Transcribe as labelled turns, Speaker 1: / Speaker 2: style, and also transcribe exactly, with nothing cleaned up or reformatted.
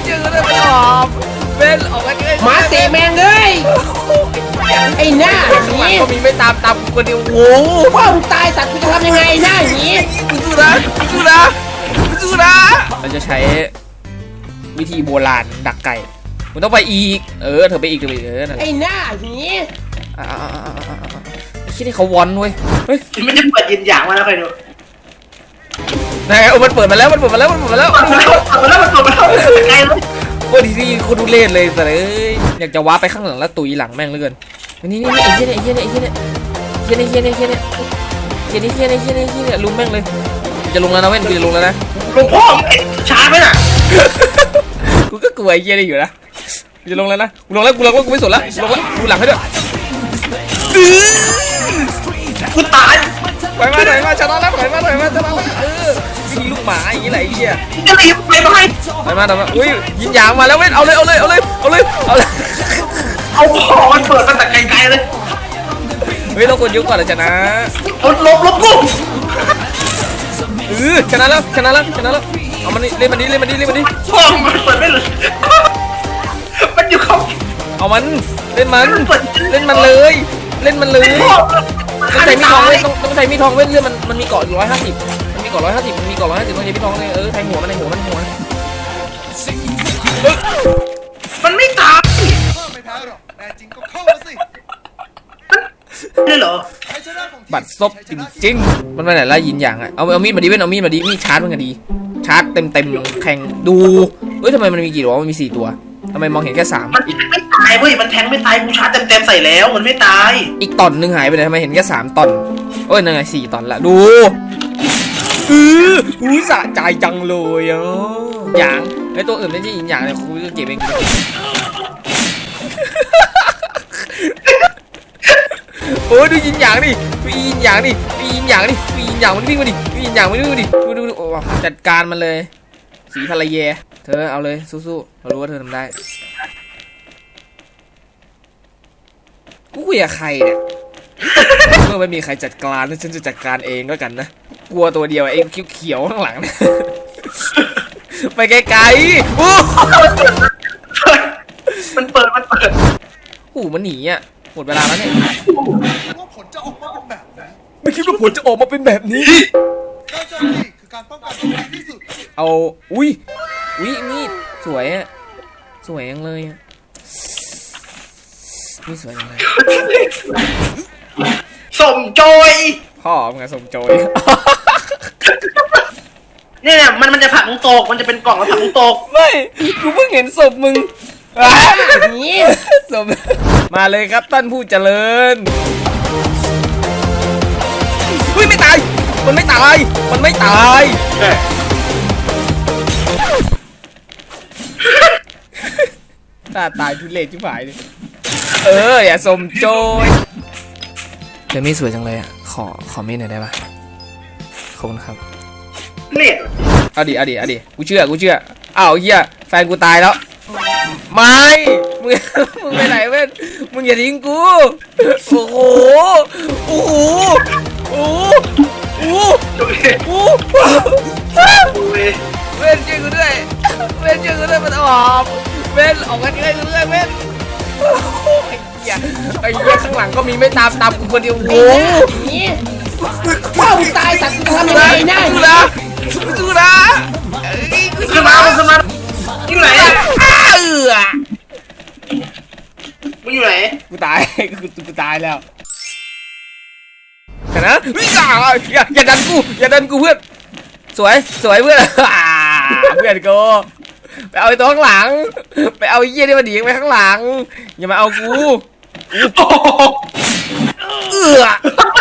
Speaker 1: นชื่อเลยมันออกเว้นออกกันเลย
Speaker 2: มาเตะแมงเลยไอ้หน้าหนี
Speaker 1: ก็มีไม่ตามตามกูคนเดียวโอ้
Speaker 2: พ่อมึงตายสัตว์กูจะทำยังไงหน้าหนี
Speaker 1: กูสู้นะกูสู้นะกูสู้นะเราจะใช้วิธีโบราณดักไก่มันต้องไปอีกเออเธอไปอีกเธอไปอีกเออนั่น
Speaker 2: ไอ้หน้าหนี
Speaker 1: อ่าคิดให้เขาวอนเว้ยเฮ้ย
Speaker 3: มันจะเปิดยินอย่างมาแล้วใครดู
Speaker 1: นายโอ้มันเปิดมาแล้วมันเปิดมาแล้วมันเปิดมาแล้ว
Speaker 3: เปิดมาแล้วเปิดมาแล้วมันเปิดมาแล้วไกลเลย
Speaker 1: โอ้ดีดีคนดูเล่นเลยแต่เลยอยากจะว้าไปข้างหลังแล้วตุยหลังแม่งเหลือเกินนี่นี่นี่ไอ้เหี้ยเนี่ยไอ้เหี้ยเนี่ยไอ้เหี้ยเนี่ยเหี้ยเนี่ยเหี้ยเนี่ยเหี้ยเนี่ยเหี้ยเนี่ยเหี้ยเนี่ยเหี้ยเนี่ยลุมแม่งเลยจะลงแล้วนะเว้นกูจะลงแล้วนะ
Speaker 3: หลวงพ่อช้าไหมน่ะ
Speaker 1: กูก็กลัวไอ้เหี้ยนี่อยู่นะกูจะลงแล้วนะกูลงแล้วกูลงแล้วกูไม่สนแล้วลงแล้วดูหลังให้ด้วย
Speaker 3: กูตาย
Speaker 1: ถอยมาถอยมาชนะแล้วถอยมาถอยมาชนะแล้วเออวิธีลูกหมาอย่างนี้แหละไอ้เหี้ย
Speaker 3: จะรีบไปไหม
Speaker 1: ถอยมาถอยมาอุ้ยยิงยางมาแล้วเว้นเอาเลยเอาเลยเอาเลยเอาเลยเอาเลย
Speaker 3: เอาพ่อมันเปิดมาแต่ไกลๆเลย
Speaker 1: เฮ้ยต้องกดยุกก่อนเลยชนะ
Speaker 3: ลบลบลบกู
Speaker 1: เออชนะแล้วชนะแล้วชนะแล้วเอามันนี่เล่นมันนี่เล่นมันนี่เล่นมันนี่
Speaker 3: พ่อมันเปิดไม่เลยมันอยู่เขา
Speaker 1: เอามันเล่นมันเล่นมันเลย เล่นมันเลย
Speaker 3: พ่อ
Speaker 1: ต้องใช้มีดทองเว้นต้องต้องใช้มีดทองเว้นเรื่องมันมันมีเกาะอยู่ร้อยห้าสิบมันมีเกาะร้อยห้าสิบมันมีเกาะร้อยห้าสิบต้องใช้มีดทองเลยเออแทงหัวมันในหัวมันหัว
Speaker 3: มันไม่ตาย
Speaker 4: ไม่แพ้หรอกแน่จริงก็เข้ามาสิ
Speaker 3: เลยเหรอ
Speaker 4: ชัยชนะของทีม
Speaker 1: บัตรซบจริงๆมันไปไหนละยินอย่างอ่ะเอาเอามีดมาดิเว้นเอามีดมาดิมีดชาร์จมันก็ดีชาร์จเต็มเต็มแข่งดูเฮ้ยทำไมมันมีกี่ตัวมันมีสี่ตัวทำไมมองเห็นแค่สาม
Speaker 3: มันไม่ตายเว้ยมันแทงไม่ตายกูชาร์จเต็มๆใส่แล้วมันไม่ตาย
Speaker 1: อีกตอนหนึ่งหายไปไหนทำไมเห็นแค่สามตอนโอ้ยนั่นไงสี่ตอนละดูเอออุ้ยสะใจจังเลยอ่ะอย่างไอตัวอื่นไม่ใช่ยินอย่างเลยคุณจะเก็บเองโอ้ยดูยินอย่างดิดูยินอย่างดิดูยินอย่างดิดูยินอย่างมันวิ่งมาดิดูยินอย่างมันวิ่งมาดิดูดูดูโอ้จัดการมันเลยสีภรรยาเธอเอาเลยสู้ๆเรารู้ว่าเธอทำได้กูคุยกับใครเนี่ยเมื่อไม่มีใครจัดการฉันจะจัดการเองก็กันนะกลัวตัวเดียวเองเขียวๆข้างหลังนะไปไกลๆโอ้
Speaker 3: มันเปิดมันเปิด
Speaker 1: หูมันหนีอ่ะหมดเวลาแล้วเนี่ย
Speaker 4: ว่าผลจะออกมาเป็นแบบไหน
Speaker 1: ไม่คิดว่าผลจะออกมาเป็นแบบนี้
Speaker 4: การโจมตีคือการป้องกันที่ดีที่สุด
Speaker 1: เอาอุ้ยอุ้ยมีดสวยอ่ะสวยยังเลยอ่ะนี่สวยยังเลย
Speaker 3: สมโจย
Speaker 1: พ่อมึงอะสมโจย
Speaker 3: เนี่ยมันมันจะผักมึงตกมันจะเป็นกล่องแล้วผักมึงตก
Speaker 1: ไม่กูเพิ่งเห็นศพมึง
Speaker 2: นี่
Speaker 1: ศพมาเลยครับท่านผู้เจริญเฮ้ยไม่ตายมันไม่ตายมันไม่ตายตาตายทุเรศชิบหายเลยเอออย่าสมโจยเดมี่สวยจังเลยอ่ะขอขอมีดหน่อยได้ปะขอบคุณครับ
Speaker 3: เลียด
Speaker 1: เอาดิเอาดิเอาดิกูเชื่อกูเชื่ออ้าวเฮียแฟนกูตายแล้วไม่มึงมึงไปไหนเว้ยมึงอย่าทิ้งกูโอ้โหโอ้โหโอ้โหโอ้โห
Speaker 3: ดูดิ
Speaker 1: โอ้โห
Speaker 3: ดูดิ
Speaker 1: เว้นช่วยกูด้วยเว้นช่วยกูด้วยมันออกเว้นออกกันช่วยกูด้วยเว้นโอ้โหไอ้เหี้ยไอ้เหี้ยข้างหลังก็มีไม่ตามตามกูคนเดียวโอ้โห
Speaker 2: หนีพ่อมึงตายสัตว์กูจะทำยังไงหน้าหนี
Speaker 1: สู้นะสู้นะเอ้ยกู
Speaker 3: ขึ้นมาขึ้นมาอยู่ไหน
Speaker 1: อ้าเออ
Speaker 3: มึงอยู่ไหน
Speaker 1: กูตายกูกูตายแล้วชนะอย่าอย่าอย่าดันกูอย่าดันกูเพื่อนสวยสวยเพื่อนเพื่อนกูไปเอาไอ้ตัวข้างหลังไปเอาไอ้เหี้ยที่มันหนีไปข้างหลังอย่ามาเอากูเออ